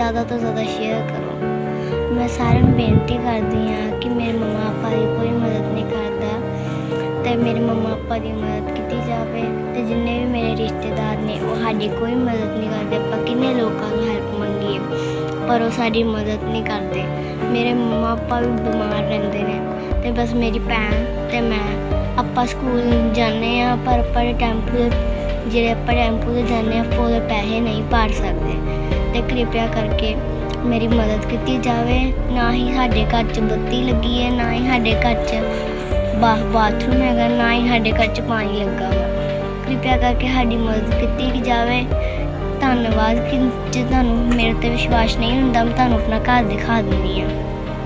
ज़्यादा तो ज़्यादा शेयर करो। मैं सारे ਨੂੰ ਬੇਨਤੀ ਕਰਦੀ ਹਾਂ ਕਿ ਮੇਰੇ ਮੰਮਾ ਪਾਪਾ ਦੀ ਕੋਈ ਮਦਦ ਨਹੀਂ ਕਰਦਾ ਤੇ ਮੇਰੇ ਮੰਮਾ ਪਾਪਾ ਦੀ ਮਦਦ ਕੀਤੀ ਜਾਵੇ ਤੇ ਜਿੰਨੇ ਵੀ ਮੇਰੇ ਰਿਸ਼ਤੇਦਾਰ ਨੇ ਉਹ ਸਾਡੀ ਕੋਈ ਮਦਦ ਨਹੀਂ ਕਰਦੇ। ਆਪਾਂ ਕਿੰਨੇ ਲੋਕਾਂ ਤੋਂ ਹੈਲਪ ਮੰਗੀਏ ਪਰ ਉਹ ਸਾਡੀ ਮਦਦ ਨਹੀਂ ਕਰਦੇ। ਮੇਰੇ ਮੰਮਾ ਪਾਪਾ ਵੀ ਬਿਮਾਰ ਰਹਿੰਦੇ ਨੇ ਤੇ ਬਸ ਮੇਰੀ ਭੈਣ ਤੇ ਮੈਂ ਆਪਾਂ ਸਕੂਲ ਜਾਂਦੇ ਹਾਂ ਪਰ ਆਪਾਂ ਟੈਂਪੂ ਜਿਹੜੇ ਆਪਾਂ ਟੈਂਪੂ 'ਤੇ ਜਾਂਦੇ ਹਾਂ ਆਪਾਂ ਉਹਦੇ ਪੈਸੇ ਨਹੀਂ ਭਰ ਸਕਦੇ ਅਤੇ ਕਿਰਪਾ ਕਰਕੇ ਮੇਰੀ ਮਦਦ ਕੀਤੀ ਜਾਵੇ। ਨਾ ਹੀ ਸਾਡੇ ਘਰ 'ਚ ਬੱਤੀ ਲੱਗੀ ਹੈ, ਨਾ ਹੀ ਸਾਡੇ ਘਰ 'ਚ ਬਾਥਰੂਮ ਹੈਗਾ, ਨਾ ਹੀ ਸਾਡੇ ਘਰ 'ਚ ਪਾਣੀ ਲੱਗਾ ਵਾ। ਕਿਰਪਾ ਕਰਕੇ ਸਾਡੀ ਮਦਦ ਕੀਤੀ ਜਾਵੇ। ਧੰਨਵਾਦ। ਕਿ ਜੇ ਤੁਹਾਨੂੰ ਮੇਰੇ 'ਤੇ ਵਿਸ਼ਵਾਸ ਨਹੀਂ ਹੁੰਦਾ ਮੈਂ ਤੁਹਾਨੂੰ ਆਪਣਾ ਘਰ ਦਿਖਾ ਦਿੰਦੀ ਹਾਂ।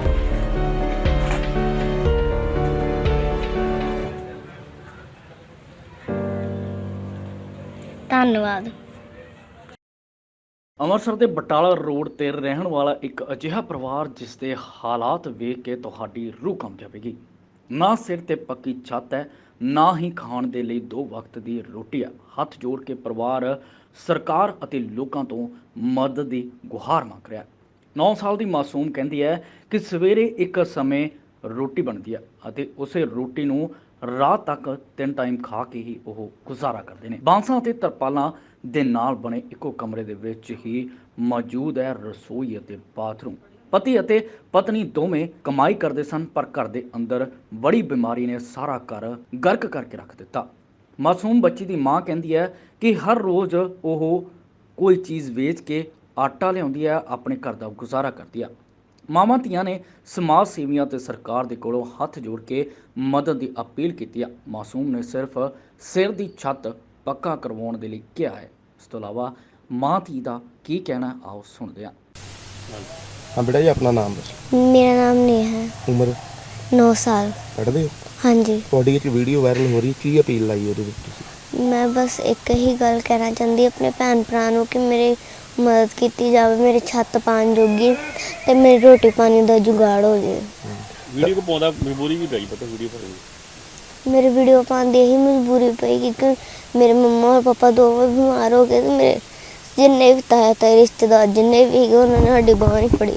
ਧੰਨਵਾਦ। ਅੰਮ੍ਰਿਤਸਰ ਦੇ ਬਟਾਲਾ ਰੋਡ ਤੇ ਰਹਿਣ ਵਾਲਾ ਇੱਕ ਅਜਿਹਾ ਪਰਿਵਾਰ ਜਿਸ ਦੇ ਹਾਲਾਤ ਵੇਖ ਕੇ ਤੁਹਾਡੀ ਰੂਹ ਕੰਬ ਜਾਵੇਗੀ। ਨਾ ਸਿਰ ਤੇ ਪੱਕੀ ਛੱਤ ਹੈ, ਨਾ ਹੀ ਖਾਣ ਦੇ ਲਈ 2 ਵਕਤ ਦੀ ਰੋਟੀ ਹੈ। ਹੱਥ ਜੋੜ ਕੇ ਪਰਿਵਾਰ ਸਰਕਾਰ ਅਤੇ ਲੋਕਾਂ ਤੋਂ ਮਦਦ ਦੀ ਗੁਹਾਰ ਮੰਗ ਰਿਹਾ ਹੈ। 9 ਸਾਲ ਦੀ ਮਾਸੂਮ ਕਹਿੰਦੀ ਹੈ ਕਿ ਸਵੇਰੇ ਇੱਕ ਸਮੇਂ ਰੋਟੀ ਬਣਦੀ ਹੈ ਅਤੇ ਉਸੇ ਰੋਟੀ ਨੂੰ ਰਾਤ ਤੱਕ 3 ਟਾਈਮ ਖਾ ਕੇ ਹੀ ਉਹ ਗੁਜ਼ਾਰਾ ਕਰਦੇ ਨੇ। ਬਾਂਸਾਂ ਅਤੇ ਤਰਪਾਲਾਂ ਦੇ ਨਾਲ ਬਣੇ ਇੱਕੋ ਕਮਰੇ ਦੇ ਵਿੱਚ ਹੀ ਮੌਜੂਦ ਹੈ ਰਸੋਈ ਅਤੇ ਬਾਥਰੂਮ। ਪਤੀ ਅਤੇ ਪਤਨੀ ਦੋਵੇਂ ਕਮਾਈ ਕਰਦੇ ਸਨ ਪਰ ਘਰ ਦੇ ਅੰਦਰ ਬੜੀ ਬਿਮਾਰੀ ਨੇ ਸਾਰਾ ਘਰ ਗਰਕ ਕਰਕੇ ਰੱਖ ਦਿੱਤਾ। ਮਾਸੂਮ ਬੱਚੀ ਦੀ ਮਾਂ ਕਹਿੰਦੀ ਹੈ ਕਿ ਹਰ ਰੋਜ਼ ਉਹ ਕੋਈ ਚੀਜ਼ ਵੇਚ ਕੇ ਆਟਾ ਲਿਆਉਂਦੀ ਹੈ, ਆਪਣੇ ਘਰ ਦਾ ਗੁਜ਼ਾਰਾ ਕਰਦੀ ਹੈ। ਮਾਵਾਂ ਧੀਆਂ ਨੇ ਸਮਾਜ ਸੇਵੀਆਂ ਤੇ ਸਰਕਾਰ ਦੇ ਕੋਲੋਂ ਹੱਥ ਜੋੜ ਕੇ ਮਦਦ ਦੀ ਅਪੀਲ ਕੀਤੀ ਹੈ। ਮਾਸੂਮ ਨੇ ਸਿਰਫ ਸਿਰ ਦੀ ਛੱਤ ਪੱਕਾ ਕਰਵਾਉਣ ਦੇ ਲਈ ਕਿਹਾ ਹੈ। ਇਸ ਤੋਂ ਇਲਾਵਾ ਮਾਂ ਧੀ ਦਾ ਕੀ ਕਹਿਣਾ ਆਓ ਸੁਣਦੇ ਹਾਂ। हाँ बेटा जी अपना नाम दस। ਮੇਰਾ ਨਾਮ ਨੇਹਾ ਹੈ। उम्र 9 ਸਾਲ। पढ़ते हो? ਹਾਂਜੀ। ਤੁਹਾਡੀ ਇੱਕ ਵੀਡੀਓ ਵਾਇਰਲ ਹੋ ਰਹੀ ਕੀ ਅਪੀਲ ਲਾਈ ਉਹਦੇ ਵਿੱਚ ਤੁਸੀਂ? ਮੈਂ ਬਸ ਇੱਕ ਹੀ ਗੱਲ ਕਹਿਣਾ ਚਾਹੁੰਦੀ ਆਪਣੇ ਭੈਣ ਭਰਾ ਨੂੰ ਕਿ ਮੇਰੀ ਮਦਦ ਕੀਤੀ ਜਾਵੇ, ਮੇਰੀ ਛੱਤ ਪਾਉਣ ਜੋਗੀ ਤੇ ਮੇਰੀ ਰੋਟੀ ਪਾਣੀ ਦਾ ਜੁਗਾੜ ਹੋ ਜਾਵੇ। ਵੀਡੀਓ ਕੋ ਪਾਉਂਦਾ ਮਜਬੂਰੀ ਵੀ ਪਈ ਪਤਾ ਵੀਡੀਓ ਪਾਉਣ ਮੇਰੀ ਵੀਡੀਓ ਪਾਉਣ ਦੀ ਇਹੀ ਮਜਬੂਰੀ ਪਈ ਕਿ ਮੇਰੇ ਮੰਮਾ ਔਰ ਪਾਪਾ ਦੋਵੇਂ ਬਿਮਾਰ ਹੋ ਗਏ ਤੇ ਮੇਰੇ ਜਿੰਨੇ ਵੀ ਤਾਏ ਰਿਸ਼ਤੇਦਾਰ ਜਿੰਨੇ ਵੀ ਹੈਗੇ ਉਹਨਾਂ ਨੇ ਸਾਡੀ ਬਾਂਹ ਨਹੀਂ ਫੜੀ।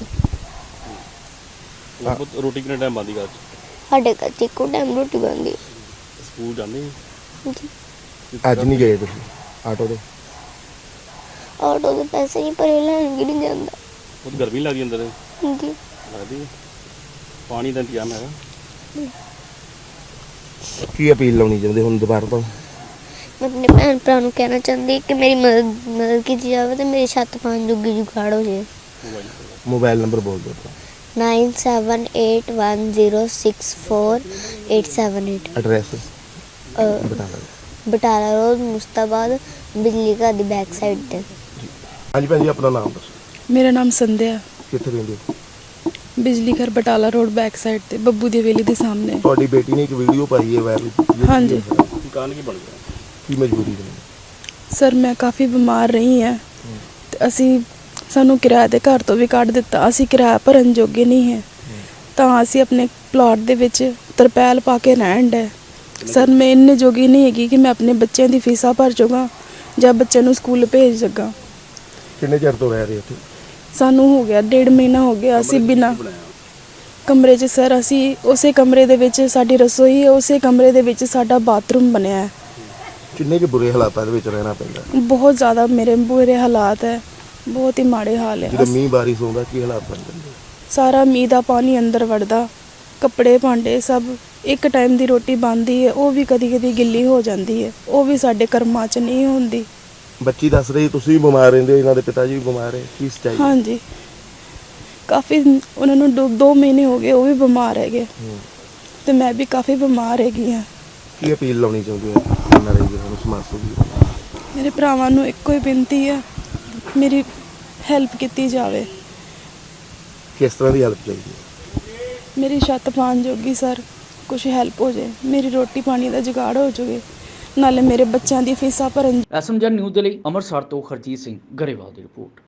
ਰੋਟੀ ਕਿੰਨੇ ਟਾਈਮ ਬੰਦੀ ਘਰ ਸਾਡੇ ਘਰ 'ਚ ਇੱਕੋ ਟਾਈਮ ਰੋਟੀ ਬਣਦੀ। ਸਕੂਲ ਜਾਂਦੇ ਜੀ। ਅੱਜ ਨਹੀਂ ਗਏ ਤੁਸੀਂ ਆਟੋ ਤੇ? ਆਟੋ ਦੇ ਪੈਸੇ ਨਹੀਂ ਭਰੇ, ਲੈਣ ਵੀ ਨਹੀਂ ਜਾਂਦਾ। ਉਹ ਗਰਮੀ ਲੱਗਦੀ ਅੰਦਰ ਜੀ। ਲੱਗਦੀ ਹੈ। ਪਾਣੀ ਦਾ ਇੰਤਜ਼ਾਮ ਹੈਗਾ? ਕੀ ਅਪੀਲ ਲਾਉਣੀ ਚਾਹੁੰਦੇ ਹੁਣ ਦੁਬਾਰਾ ਤੋਂ? ਮੈਂ ਆਪਣੇ ਭੈਣ ਭਰਾ ਨੂੰ ਕਹਿਣਾ ਚਾਹੁੰਦੀ ਕਿ ਮੇਰੀ ਮਦਦ ਕੀਤੀ ਜਾਵੇ ਤੇ ਮੇਰੀ ਛੱਤ ਪਾਉਣ ਜੋਗੀ ਜੁਗਾੜ ਹੋ ਜਾਵੇ। ਮੋਬਾਈਲ ਨੰਬਰ ਬੋਲ ਦਿਓ। 9781164878। ਐਡਰੈਸ ਬਤਾ ਦਿਓ। ਬਟਾਲਾ ਰੋਡ ਮੁਸਤਾਬਾਦ ਬਿਜਲੀ ਘਰ ਦੀ ਬੈਕ ਸਾਈਡ ਤੇ। ਹਾਂਜੀ ਭੈਣ ਜੀ ਆਪਣਾ ਨਾਮ ਦੱਸੋ। ਮੇਰਾ ਨਾਮ ਸੰਧਿਆ। ਕਿੱਥੇ ਰਹਿੰਦੇ ਹੋ? ਬਿਜਲੀ ਘਰ ਬਟਾਲਾ ਰੋਡ ਬੈਕ ਸਾਈਡ ਤੇ ਬੱਬੂ ਦੀ ਹਵੇਲੀ ਦੇ ਸਾਹਮਣੇ। ਤੁਹਾਡੀ ਬੇਟੀ ਨੇ ਇੱਕ ਵੀਡੀਓ ਪਾਈ ਹੈ ਵਾਇਰਲ। ਹਾਂਜੀ। ਕਾਰਨ ਕੀ ਬਣ ਗਿਆ? ਕੀ ਮਜਬੂਰੀ ਹੈ? ਸਰ ਮੈਂ ਕਾਫੀ ਬਿਮਾਰ ਰਹੀ ਹਾਂ ਤੇ ਸਾਨੂੰ ਕਿਰਾਏ ਦੇ ਘਰ ਤੋਂ ਵੀ ਕੱਢ ਦਿੱਤਾ। ਅਸੀਂ ਕਿਰਾਇਆ ਭਰਨ ਜੋਗੇ ਨਹੀਂ ਹੈ ਤਾਂ ਅਸੀਂ ਆਪਣੇ ਪਲਾਟ ਦੇ ਵਿੱਚ ਤਰਪੈਲ ਪਾ ਕੇ ਰਹਿਣ ਡਏ। ਸਰ ਮੈਂ ਇੰਨੇ ਜੋਗੀ ਨਹੀਂ ਹੈਗੀ ਕਿ ਮੈਂ ਆਪਣੇ ਬੱਚਿਆਂ ਦੀ ਫੀਸਾਂ ਭਰ ਜਾਵਾਂ ਜਾਂ ਬੱਚਿਆਂ ਨੂੰ ਸਕੂਲ ਭੇਜ ਸਕਾਂ। ਕਿੰਨੇ ਚਿਰ ਤੋਂ ਰਹਿ ਰਹੇ ਇੱਥੇ? ਸਾਨੂੰ ਹੋ ਗਿਆ 1.5 ਮਹੀਨਾ ਹੋ ਗਿਆ। ਅਸੀਂ ਬਿਨਾਂ ਕਮਰੇ 'ਚ ਸਰ ਅਸੀਂ ਉਸੇ ਕਮਰੇ ਦੇ ਵਿੱਚ ਸਾਡੀ ਰਸੋਈ ਹੈ, ਉਸੇ ਕਮਰੇ ਦੇ ਵਿੱਚ ਸਾਡਾ ਬਾਥਰੂਮ ਬਣਿਆ ਹੈ। ਕਿੰਨੇ ਕੁ ਬੁਰੇ ਹਾਲਾਤਾਂ ਦੇ ਵਿੱਚ ਰਹਿਣਾ ਪੈਂਦਾ? ਬਹੁਤ ਜ਼ਿਆਦਾ ਮੇਰੇ ਬੁਰੇ ਹਾਲਾਤ ਹੈ, ਬਹੁਤ ਹੀ ਮਾੜੇ ਹਾਲ ਹੈ। ਜਦੋਂ ਮੀਂਹ ਬਾਰਿਸ਼ ਹੁੰਦਾ ਕੀ ਹਾਲਾਤ ਬਣ ਜਾਂਦੇ? ਸਾਰਾ ਮੀਂਹ ਦਾ ਪਾਣੀ ਅੰਦਰ ਵੜਦਾ, ਕੱਪੜੇ ਭਾਂਡੇ ਸਭ। ਇੱਕ ਟਾਈਮ ਦੀ ਰੋਟੀ ਬਣਦੀ ਹੈ ਉਹ ਵੀ ਕਦੀ ਕਦੀ ਗਿੱਲੀ ਹੋ ਜਾਂਦੀ ਹੈ, ਉਹ ਵੀ ਸਾਡੇ ਕਰਮਾਂ 'ਚ ਨਹੀਂ ਹੁੰਦੀ। ਬੱਚੀ ਦੱਸ ਰਹੀ ਤੁਸੀਂ ਵੀ ਬਿਮਾਰ ਰਹਿੰਦੇ ਹੋ, ਇਹਨਾਂ ਦੇ ਪਿਤਾ ਜੀ ਵੀ ਬਿਮਾਰ ਹੈ, ਕੀ ਸੱਚਾਈ? ਹਾਂਜੀ ਕਾਫੀ ਉਹਨਾਂ ਨੂੰ 2 ਮਹੀਨੇ ਹੋ ਗਏ ਉਹ ਵੀ ਬਿਮਾਰ ਹੈਗੇ ਤੇ ਮੈਂ ਵੀ ਕਾਫੀ ਬਿਮਾਰ ਹੈਗੀ ਹਾਂ। ਕੀ ਅਪੀਲ ਲਾਉਣੀ ਚਾਹੁੰਦੇ ਹੋ ਇਹਨਾਂ ਦੇ ਜਿਹਨਾਂ ਨੂੰ ਸਮਾਜ ਸੇਵੀ? ਮੇਰੇ ਭਰਾਵਾਂ ਨੂੰ ਇੱਕੋ ਹੀ ਬੇਨਤੀ ਹੈ ਮੇਰੀ ਹੈਲਪ ਕੀਤੀ ਜਾਵੇ। ਕਿਸ ਤਰ੍ਹਾਂ ਦੀ ਹੈਲਪ ਚਾਹੀਦੀ ਹੈ? ਮੇਰੀ ਛੱਤ ਪਾਉਣ ਜੋਗੀ ਸਰ ਕੁਛ ਹੈਲਪ ਹੋ ਜਾਏ, ਮੇਰੀ ਰੋਟੀ ਪਾਣੀ ਦਾ ਜੁਗਾੜ ਹੋ ਜਾਵੇ, ਨਾਲੇ ਮੇਰੇ ਬੱਚਿਆਂ ਦੀ ਫੀਸਾਂ ਭਰਨ। SMZ ਨਿਊਜ਼ ਦੇ ਲਈ ਅੰਮ੍ਰਿਤਸਰ ਤੋਂ ਹਰਜੀਤ ਸਿੰਘ ਗਰੇਵਾਲ ਦੀ ਰਿਪੋਰਟ।